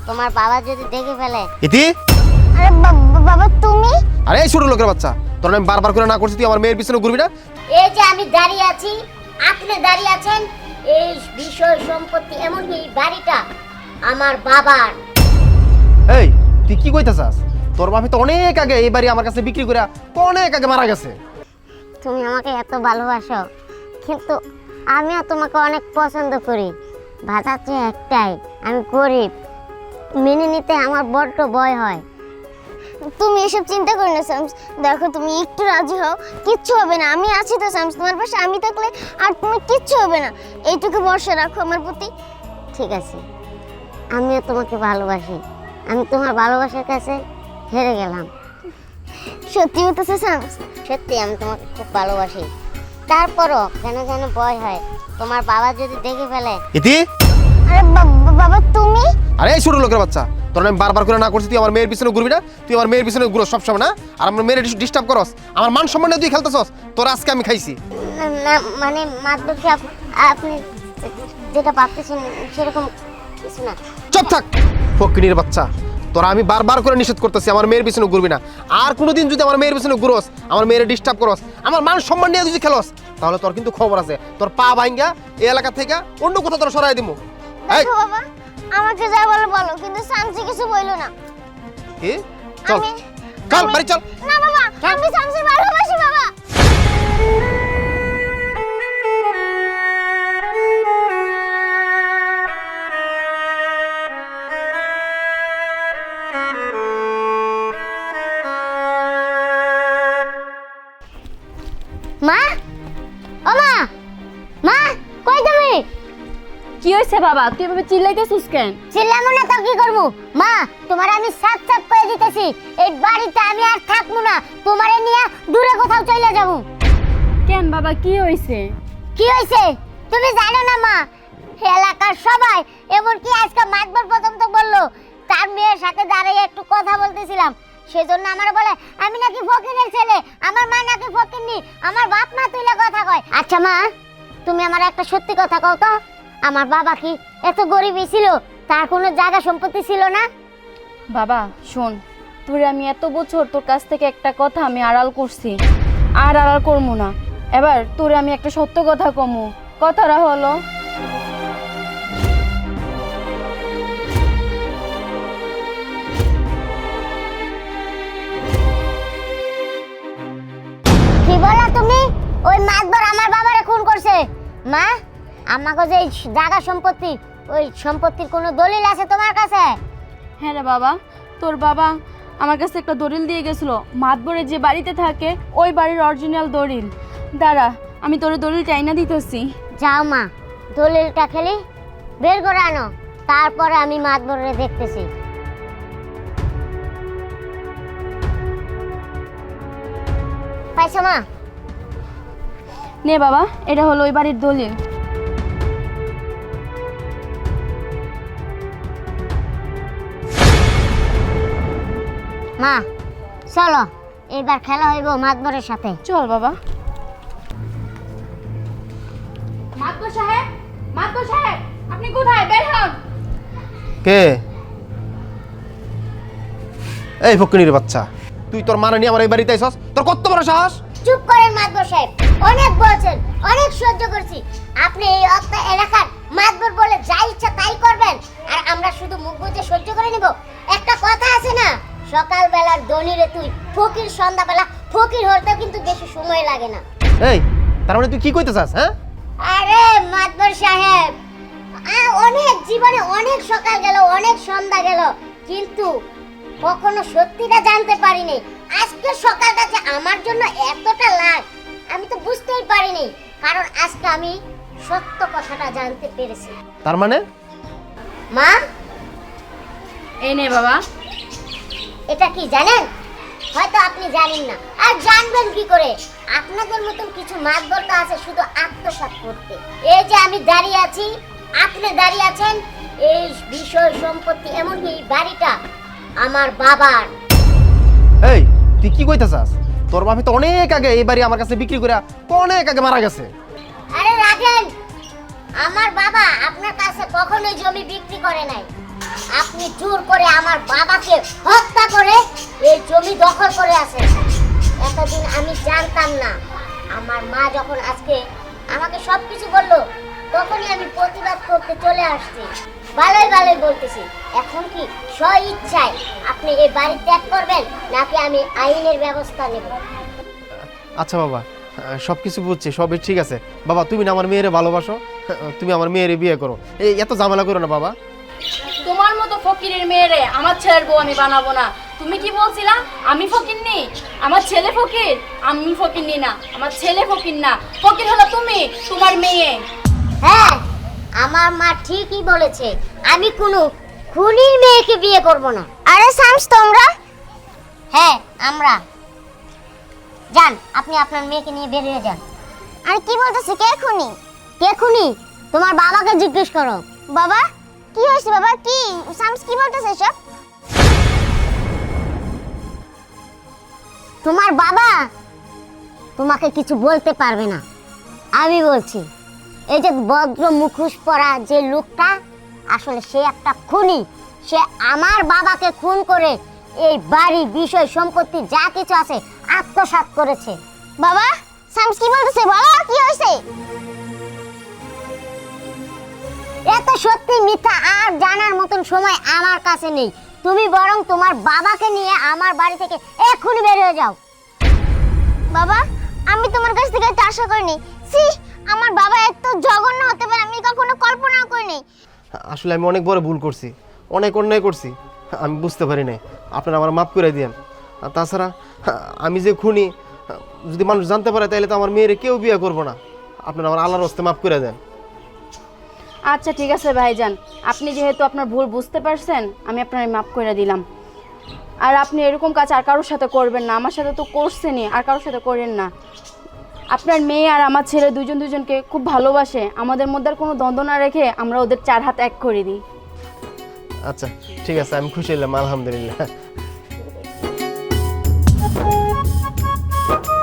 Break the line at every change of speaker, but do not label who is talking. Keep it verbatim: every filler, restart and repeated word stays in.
তোমার বাবা যদি দেখে ফেলে।
ইতি
আরে বাবা তুমি?
আরে এই ছোট লোকের বাচ্চা, তোর আমি বারবার করে না করছি তুই আমার মেয়ের পিছনে ঘুরবি না।
এই যে আমি দাঁড়িয়ে আছি, আপনি দাঁড়িয়ে আছেন, এই বিষয় সম্পত্তি এমনকি এই বাড়িটা আমার বাবার।
এই তুই কি কইতাছাস? তোর বাবা তো অনেক আগে এই বাড়ি আমার কাছে বিক্রি করে অনেক আগে মারা গেছে।
তুমি আমাকে এত ভালোবাসো, কিন্তু আমিও তোমাকে অনেক পছন্দ করি। বাধা তো একটাই, আমি গরিব, মেনে নিতে আমার বড্ড ভয় হয়।
তুমি এসব চিন্তা করো না শামস, দেখো তুমি একটু রাজি হও, কিচ্ছু হবে না, আমি আছি তো শামস, তোমার পাশে আমি থাকলে আর তুমি কিচ্ছু হবে না, এইটুকু ভরসা রাখো আমার প্রতি।
ঠিক আছে, আমিও তোমাকে ভালোবাসি, আমি তোমার ভালোবাসার কাছে হেরে গেলাম।
সত্যি হতেছে শামস?
সত্যি আমি তোমাকে খুব ভালোবাসি, তারপরও কেন যেন ভয় হয় তোমার বাবা যদি দেখে ফেলে।
ইতি
আরে বাবা তুমি?
আরে এই ছোট লোকের বাচ্চা, তোর আমি বারবার করে না করছি তুই আমার মেয়ের পিছনে ঘুরবি না। তুই আমার মেয়ের পিছনে ঘুরো সবসময় না, আর আমার মেয়ের ডিস্টার্ব করস, আমার মান সম্মান নিয়ে তুই খেলতেছস। তোর আজকে আমি খাইছি
না, না মানে মাতবর সাহেব, আপনি যেটা ভাবতেছেন সেরকম কিছু না।
চুপ থাক ফকিনীর বাচ্চা, তোরা আমি বারবার করে নিষেধ করতেছি আমার মেয়ের পিছনে ঘুরবি না। আর কোনোদিন যদি আমার মেয়ের পিছনে ঘুরোস, আমার মেয়ের ডিস্টার্ব করস, আমার মান সম্মান নিয়ে যদি খেলোস, তাহলে তোর কিন্তু খবর আছে, তোর পা ভাঙ্গা এই এলাকা থেকে অন্য কোথাও তোর সরাই দিমু। এই
দেখো বাবা, আমাকে যা বলো বলো, কিন্তু শামসি কিছু বইলো না।
কি? চল
আমি-
চল
আমি-
বাড়ি চল।
না বাবা, আমি শামসি ভালোবাসি বাবা।
মা, ও মা, মা কই তুমি?
কি হয়েছে বাবা, তুই এভাবে চিল্লাইতেছিস কেন?
চিল্লামু না তো কি করবো? মা, তোমার আমি সাত সাত করে দিতেছি, এই বাড়িতে আমি আর থাকবো না, তোমারে নিয়ে দূরে কোথাও চলে যাবো।
কেন বাবা, কি হয়েছে?
কি হয়েছে তুমি জানো না মা? এলাকার সবাই, এমনকি আজকে মাতবর পর্যন্ত বললো, তার মেয়ের সাথে দাঁড়িয়ে একটু কথা বলতেছিলাম, সেজন্য আমার বলে আমি নাকি ফকিরের ছেলে, আমার মা নাকি ফকিরনি, আমার বাপ মা তুইলা কথা কয়। আচ্ছা মা, তুমি আমার একটা সত্যি কথা কও তো, আমার বাবা কি এত গরিবই ছিল? তার কোনো জায়গা সম্পত্তি ছিল না?
বাবা শোন, তোর আমি এত বছর তোর কাছ থেকে একটা কথা আমি আড়াল করছি, আর আড়াল করবো না। এবার তোর আমি একটা সত্য কথা কমু। কথাটা হলো,
কি বলা তুমি? ওই মাতবর আমার বাবারে খুন করছে। মা, আমাকে যে এই জায়গা সম্পত্তি, ওই সম্পত্তির কোনো দলিল আছে তোমার কাছে?
হ্যাঁ রে বাবা, তোর বাবা আমার কাছে একটা দলিল দিয়ে গেছিল, মাতবরে যে বাড়িতে থাকে ওই বাড়ির অরিজিনাল দলিল। দাঁড়া, আমি তোর দলিল চাইনা দিতেছি।
যাও মা, দলিলটা খেলি বের করে আনো, তারপরে আমি মাতবরে দেখতেছি। পাইছো মা?
নে বাবা, এটা হলো ওই বাড়ির দলিল।
মা চলো, এবার খেলা হইব মাতবরের সাথে।
চল বাবা। মাতবর সাহেব, মাতবর সাহেব, আপনি কোথায়? বের হন।
কে? এই ফকিনীর বাচ্চা, তুই তোর মানে নিয়ে আমার এই বাড়িতে আইছস? তোর কত বড় সাহস?
চুপ করেন মাতবর সাহেব, অনেক বলছেন, অনেক সহ্য করছি। আপনি এই অত্য এলাকার মাতবর বলে যা ইচ্ছা তাই করবেন, আর আমরা শুধু মুখ বুজে সহ্য করে নিব? একটা কথা আছে না, সকাল বেলার দনিরে তুই ফকির, সন্ধ্যাবেলা ফকির হতে কিন্তু বেশি সময় লাগে না।
এই তার মানে তুই কি কইতেছাস? হ্যাঁ
আরে মাতবর সাহেব, আ- অনেক জীবনে অনেক সকাল গেল, অনেক সন্ধ্যা গেল, কিন্তু কখনো সত্যিটা জানতে পারিনি। আজকে সকালটা যে আমার জন্য এতটা লাগ, আমি তো বুঝতেই পারিনি, কারণ আজকে আমি সত্য কথাটা জানতে পেরেছি।
তার মানে
মা,
এই নে বাবা।
এটা কি জানেন? হয়তো আপনি জানেন না, আর জানবেন কি করে? আপনাদের মতন কিছু মাতবর তো আছে শুধু আত্মসাৎ করতে। এই যে আমি দাঁড়িয়ে আছি, আপনি দাঁড়িয়ে আছেন, এই বিষয় সম্পত্তি এমনকি এই বাড়িটা আমার বাবার।
এই তুই কি কইতেছাস? তোর বাবা তো অনেক আগে এই বাড়ি আমার কাছে বিক্রি করে অনেক আগে মারা গেছে।
আরে রাখেন, আমার বাবা আপনার কাছে কখনোই জমি বিক্রি করে নাই। আপনি জোর করে আমার বাবাকে হত্যা করে এই জমি দখল করে আছেন। এতদিন আমি জানতাম না। আমার মা যখন আজকে আমাকে সব কিছু বললো, তখনই আমি প্রতিবাদ করতে চলে আসছি। ভালোই ভালোই বলতেছি। এখন কি স্ব ইচ্ছায় আপনি এই বাড়ি ত্যাগ করবেন, নাকি আমি আইনের ব্যবস্থা নেব?
আচ্ছা বাবা, সব কিছু বুঝছি, সবই ঠিক আছে। বাবা তুমি না আমার মেয়েরে ভালোবাসো, তুমি আমার মেয়েরে বিয়ে করো। এই এত ঝামেলা করো না বাবা।
তোমার মতো ফকিরের মেয়েরে আমার ছেলের বউ আমি বানাবো না। তুমি কি বলছিলা আমি ফকির নি? আমার ছেলে ফকির? আমি ফকির নি না, আমার ছেলে ফকির না। ফকির হলো তুমি, তোমার মেয়ে।
হ্যাঁ, আমার মা ঠিকই বলেছে। আমি কোনো খুনির মেয়েকে বিয়ে করব না।
আরে শামস, তোমরা?
হ্যাঁ, আমরা। যান, আপনি আপনার মেয়েকে নিয়ে বেরিয়ে যান।
আর কি বলতেছে? কে খুনি?
কে খুনি? তোমার বাবাকে জিজ্ঞেস করো।
বাবা, কি হয়েছে বাবা? কি শামস কি বলতেছে সব?
তোমার বাবা তোমাকে কিছু বলতে পারবে না, আমি বলছি। এই যে ভদ্র মুখোশ পরা যে লোকটা, আসলে সে একটা খুনি। সে আমার বাবাকে খুন করে এই বাড়ি, বিষয়, সম্পত্তি যা কিছু আছে আত্মসাৎ করেছে।
বাবা, শামস কি বলতেছে? বলো কি হয়েছে?
এত সত্যি মিথ্যা আর জানার মতন সময় আমার কাছে নেই। তুমি বরং তোমার বাবাকে নিয়ে আমার বাড়ি থেকে এক্ষুনি বের হয়ে যাও।
বাবা, আমি তোমার কাছ থেকে এটা আশা করিনি। সি, আমার বাবা এত জঘন্য হতে পারে আমি কখনো কল্পনাও করিনি।
আসলে আমি অনেক বড় ভুল করছি, অনেক অন্যায় করছি, আমি বুঝতে পারি নাই। আপনারা আমার মাফ করে দিয়েন। আর তাছাড়া আমি যে খুনি, যদি মানুষ জানতে পারে তাহলে তো আমার মেয়েরে কেউ বিয়ে করবো না। আপনারা আমার আল্লাহর হস্তে মাফ করে দেন।
আচ্ছা ঠিক আছে ভাইজান, আপনি যেহেতু আপনার ভুল বুঝতে পারছেন, আমি আপনার মাফ করে দিলাম। আর আপনি এরকম কাজ আর কারোর সাথে করবেন না। আমার সাথে তো করছেনই, আর কারোর সাথে করেন না। আপনার মেয়ে আর আমার ছেলে দুজন দুজনকে খুব ভালোবাসে। আমাদের মধ্যে আর কোনো দ্বন্দ্ব না রেখে আমরা ওদের চার হাত এক করে দিই।
আচ্ছা ঠিক আছে, আমি খুশি হলাম, আলহামদুলিল্লাহ।